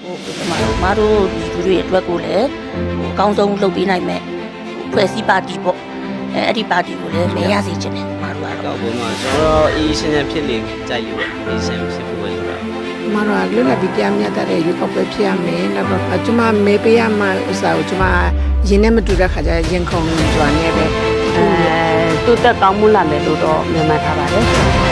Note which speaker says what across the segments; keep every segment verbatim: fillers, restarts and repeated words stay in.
Speaker 1: မာတို့ဒီလူတွေအတွက်ကိုလည်းဟိုအကောင်းဆုံးလုပ်ပေးနိုင်မယ်ဖွဲ့စည်းပါတီပေါ့အဲအဲ့ဒီပါတီကိုလည်းမရစေချင်တယ်မာတို့ကတော့
Speaker 2: တော့ဘုံမှာကျွန်တော်တို့အေးရှင်းရှင်းဖြစ်လေကြိုက်လို့အေးရှင်းဖြစ်ဖို့ပဲလို့တာ
Speaker 3: မတော်လွတ်လပ်ပြီးတရားမျှတတဲ့ရွေးကောက်ပွဲဖြစ်ရမယ်နောက်တော့ကျွန်မမေးပေးရမှဥစ္စာကိုကျွန်မရင်းနဲ့မတူတဲ့ခါကျရင်ခုန်ကြွားနေပဲ
Speaker 4: အဲတိုးတက်ကောင်းမှုလာမယ်လို့တော့မြင်မှတ်ထားပါတယ်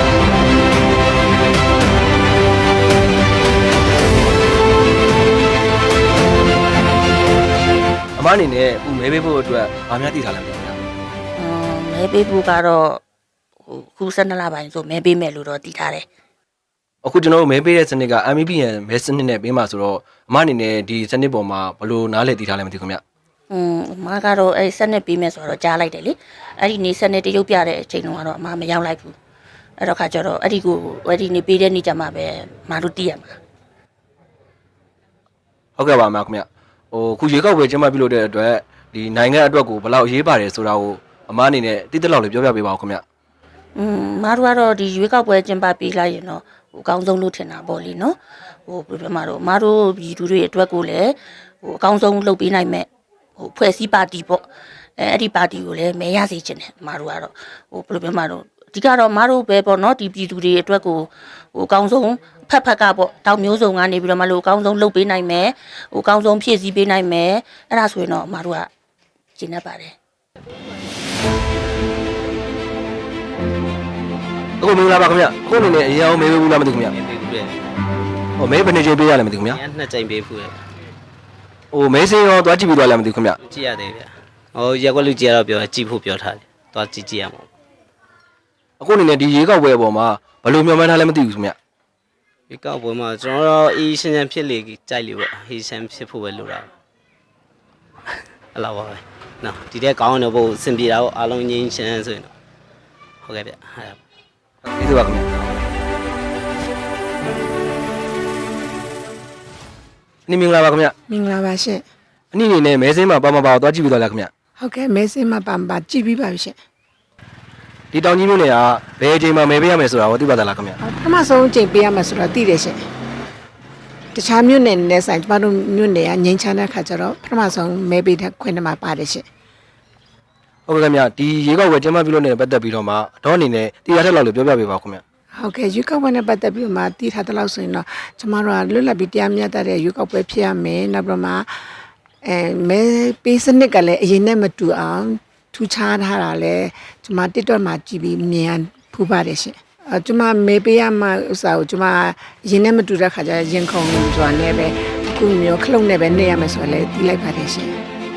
Speaker 5: အမအနေနဲ့ဦးမဲပေးဖို့အတွက်ဗာများတည်ထားလိုက်ပြီခင်ဗျာ
Speaker 1: အင်းမဲပေးဖို့ကတော့ဟိုခု၁၂လပိုင်းဆိုမဲပေးမယ်လို့တော့တည်ထားတယ်
Speaker 5: အခုကျွန်တော်တို့မဲပေးတဲ့စနစ်က M E P N မဲစနစ်နဲ့ပေးမှာဆိုတော့အမအနေနဲ့ဒီစနစ်ပေါ်မှာဘယ်လိုနားလည်တည်ထားလဲမသိဘူးခင်ဗျာ
Speaker 1: อืมအမကတော့အဲ့စနစ်ပေးမယ်ဆိုတော့ကြားလိုက်တယ်လေအဲ့ဒီနေစနစ်တရုပ်ပြတဲ့အချိန်တုန်းကတော့အမမရောက်လိုက်ဘူးအဲ့တော့ခါကျတော့အဲ့ဒီကိုအဲ့ဒီနေပေးတဲ့နေ့ကျမှပဲမတို့တည်ရမှာ
Speaker 5: ဟုတ်ကဲ့ပါမခင်ဗျာဟိုခုရေကောက်ပွဲကျင်းပပြုလုပ်တဲ့အတွက်ဒီနိုင်ငံအတွက်ကိုဘယ်လောက်အရေးပါတယ်ဆိုတာကိုအမအနေနဲ့တိတိလောက်လေးပြောပြပေးပါဦးခင်ဗျာ
Speaker 1: อืมမတို့ကတော့ဒီရွေးကောက်ပွဲကျင်းပပေးလိုက်ရင်တော့ဟိုအကောင်းဆုံးလို့ထင်တာပေါ့လေနော်ဟိုပြပြမတို့မတို့ဒီလူတွေအတွက်ကိုလည်းဟိုအကောင်းဆုံးလုပ်ပေးနိုင်မဲ့ဟိုဖွဲ့စည်းပါတီပေါ့အဲအဲ့ဒီပါတီကိုလည်းမဲရစေချင်တယ်မတို့ကတော့ဟိုပြပြမတို့အဓိကတော့မတို့ပဲပေါ့နော်ဒီပြည်သူတွေအတွက်ကိုဟိုအကောင်းဆုံးဖက်ဖက်ကပေါ့တောင်မျိုးစုံကနေပြီးတော့မလို့အကောင်းဆုံးလုပ်ပေးနိုင်မယ်ဟိုအကောင်းဆုံးဖြည့်ဆည်းပေးနိုင်မယ်အဲ့ဒါဆိုရင်တော့မတို့ကကျင့်တတ်ပါတယ်
Speaker 5: အခုမင်္ဂလာပါခင်ဗျာအခုအနေနဲ့အရင်အောင်မဲပေးဘူးလားမသိဘူးခင်ဗျာ
Speaker 2: အေးပေးဘူးလေ
Speaker 5: ဟိုမဲဘယ်နှစ်ချိန်ပေးရလဲမသိဘူးခင်ဗျာ
Speaker 2: ညနှစ်ကြိမ်ပေးဘူးလေ
Speaker 5: ဟိုမဲစင်းရောသွားကြည့်ပြီးသွားလားမသိဘူးခင်ဗျာ
Speaker 2: ကြည့်ရတယ်ဗျဟိုရက်ွက်လူကြည့်ရတော့ပြောကြည့်ဖို့ပြောထားတယ်သွားကြည့်ကြည့်ရမှာ
Speaker 5: အခုအနေနဲ့ဒီရေကောက်ပွဲအပေါ်မှာဘယ်လိုမျှော်မှန်းထားလဲမသိဘူးခင်ဗျာ
Speaker 2: ဒီကောက်ပွဲမှာကျွန်တော်တို့အေးရှင်းရှင်းဖြစ်လေကြိုက်လို့ပေါ့အေးရှင်းဖြစ်ဖို့ပဲလို့တာအဲ့လောက်ပါပဲနော်ဒီတဲ့ကောင်းတဲ့ဘုတ်အဆင်ပြေတာပေါ့အားလုံးငြိမ်းချမ်းဆိုရင်တော့ဟုတ်ကဲ့ဗျအဲ့ဒါ
Speaker 5: ကျေးဇူးပါခင်ဗျာနေမင်္ဂလာပါခင်ဗျာ
Speaker 3: မင်္ဂလာပါရှင်
Speaker 5: အနည်းအနေနဲ့မဲစင်းမှာပါမပါသွားကြည့်ပြီးသွားလားခင်ဗျာ
Speaker 3: ဟုတ်ကဲ့မဲစင်းမပန်ပါကြည့်ပြီးပါပြီရှင်
Speaker 5: ဒီတောင်ကြီးမြို့နယ်ကဘယ်အချိန်မှာမဲပေးရမယ်ဆိုတာကိုသိပါသလားခင်ဗျာ
Speaker 3: ပထမဆုံးချိန်ပေးရမှာဆိုတော့သိတယ်ရှင်တခြားမြို့နယ်နဲ့ဆိုင်ကျမတို့မြို့နယ်ကငိမ့်ချမ်းတဲ့ခါကျတော့ပထမဆုံးမဲပေးတဲ့ခွင့်နဲ့မှာပါတယ်ရှင်
Speaker 5: ဟုတ်ကဲ့ခင်ဗျာဒီရေကောက်ပွဲကျင်းပပြုလုပ်နေတဲ့ပတ်သက်ပြီးတော့မှတော့အနေနဲ့တရားထက်လောက်လို့ပြောပြပေးပါဦးခင်ဗျာ
Speaker 3: ဟုတ်ကဲ့ရွေးကောက်ပွဲနဲ့ပတ်သက်ပြီးမှတည်ထားတဲ့လောက်ဆိုရင်တော့ကျမတို့ကလွတ်လပ်ပြီးတရားမျှတတဲ့ရွေးကောက်ပွဲဖြစ်ရမယ်နောက်ပြီးမှအဲမဲပေးစနစ်ကလည်းအရင်နဲ့မတူအောင်ထူခြားထားတာလဲကျမ TikTok မှာကြည့်ပြီးမြင်ဖူးပါတယ်ရှင်အဲကျမမဲပေးရမှဥစ္စာကိုကျမအရင်နဲ့မတူတဲ့ခါကျရင်ခုန်ကြွားနေပဲအခုမျိုးခလုံးနဲ့ပဲနေရမယ်ဆိုတော့လည်းတီးလိုက်ပါတယ်ရှင်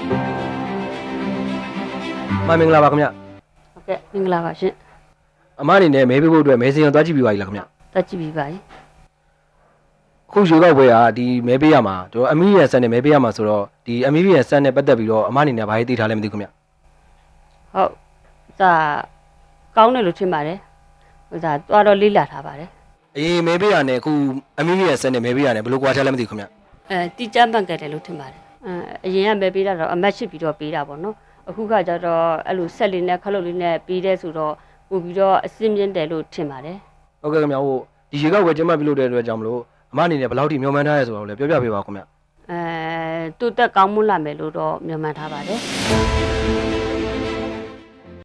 Speaker 5: မမင်္ဂလာပါခင်ဗျာ
Speaker 4: ဟုတ်ကဲ့မင်္ဂလာပါရှင်
Speaker 5: အမအနေနဲ့မဲပေးဖို့အတွက်မဲစင်းရောသွားကြည့်ပြီးပါပြီလားခင်ဗျာ
Speaker 4: တက်ကြည့်ပြီးပါပြီ
Speaker 5: အခုရေကောက်ပွဲကဒီမဲပေးရမှာတို့အမီးရန်ဆန်နဲ့မဲပေးရမှာဆိုတော့ဒီအမီးရန်ဆန်နဲ့ပတ်သက်ပြီးတော့အမအနေနဲ့ဘာရေးသိထားလဲမသိဘူးခင်ဗျာ
Speaker 4: ဟုတ်ဒါကောင်းတယ်လို့ထင်ပါတယ်ဟိုဒါတွားတော့လေးလာထားပါတယ်
Speaker 5: အရင်မဲပေးရနဲ့အခုအမီးရန်ဆန်နဲ့မဲပေးရနဲ့ဘယ်လိုကွာခြားလဲမသိဘူးခင်ဗျာ
Speaker 4: အဲတီချမ်းပန်ကတ်တယ်လို့ထင်ပါတယ်အဲအရင်ကပဲပေးတာတော့အမတ်ရှိပြီးတော့ပေးတာပေါ့နော်အခုကကြတော့အဲ့လိုဆက်လေးနဲ့ခလုတ်လေးနဲ့ပေးတဲ့ဆိုတော့ပို့ပြီးတော့အစင်းမြင့်တယ်လို့ထင်ပါတယ်
Speaker 5: ဟုတ်ကဲ့ခင်ဗျာဟိုဒီရေကောက်ပွဲကျင်းပပြုလုပ်တဲ့အတွက်ကြောင့်မလို့အမအနေနဲ့ဘယ်လောက်ထိမျှော်မှန်းထားရဲဆိုတာကိုလည်းပြောပြပေးပါဦးခင်ဗျာ
Speaker 4: အဲတိုးတက်ကောင်းမှုလာမယ်လို့တော့မြင်မှန်ထားပါတယ်